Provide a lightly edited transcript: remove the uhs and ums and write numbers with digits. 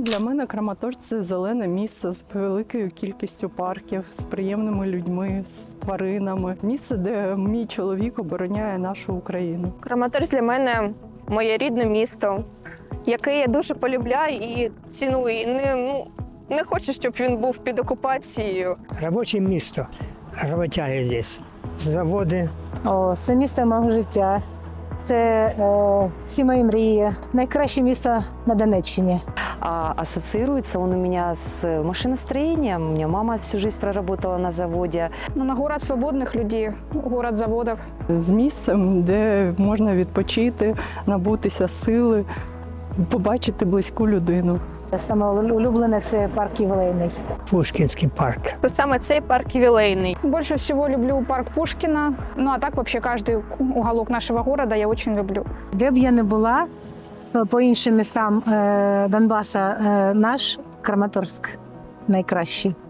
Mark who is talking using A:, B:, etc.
A: Для мене Краматорськ – це зелене місце з великою кількістю парків, з приємними людьми, з тваринами. Місце, де мій чоловік обороняє нашу Україну.
B: Краматорськ для мене моє рідне місто, яке я дуже полюбляю і ціную. І не хочу, щоб він був під окупацією.
C: Робоче місто, роботяги здесь, заводи.
D: Це місто мого життя. Це всі мої мрії. Найкраще місто на Донеччині.
E: Ассоциируется он у меня с машиностроением. У меня мама всю жизнь проработала на заводе.
B: На город свободних людей, город заводів.
A: З місцем, де можна відпочити, набутися сили, побачити близьку людину.
D: Саме улюблене – це парк ювілейний.
C: Пушкінський парк.
B: Це саме цей парк ювілейний. Больше всего люблю парк Пушкина. Ну а так вообще каждый уголок нашего города я очень люблю.
D: Де б я не була, по іншим містам Донбаса, наш Краматорськ найкращий.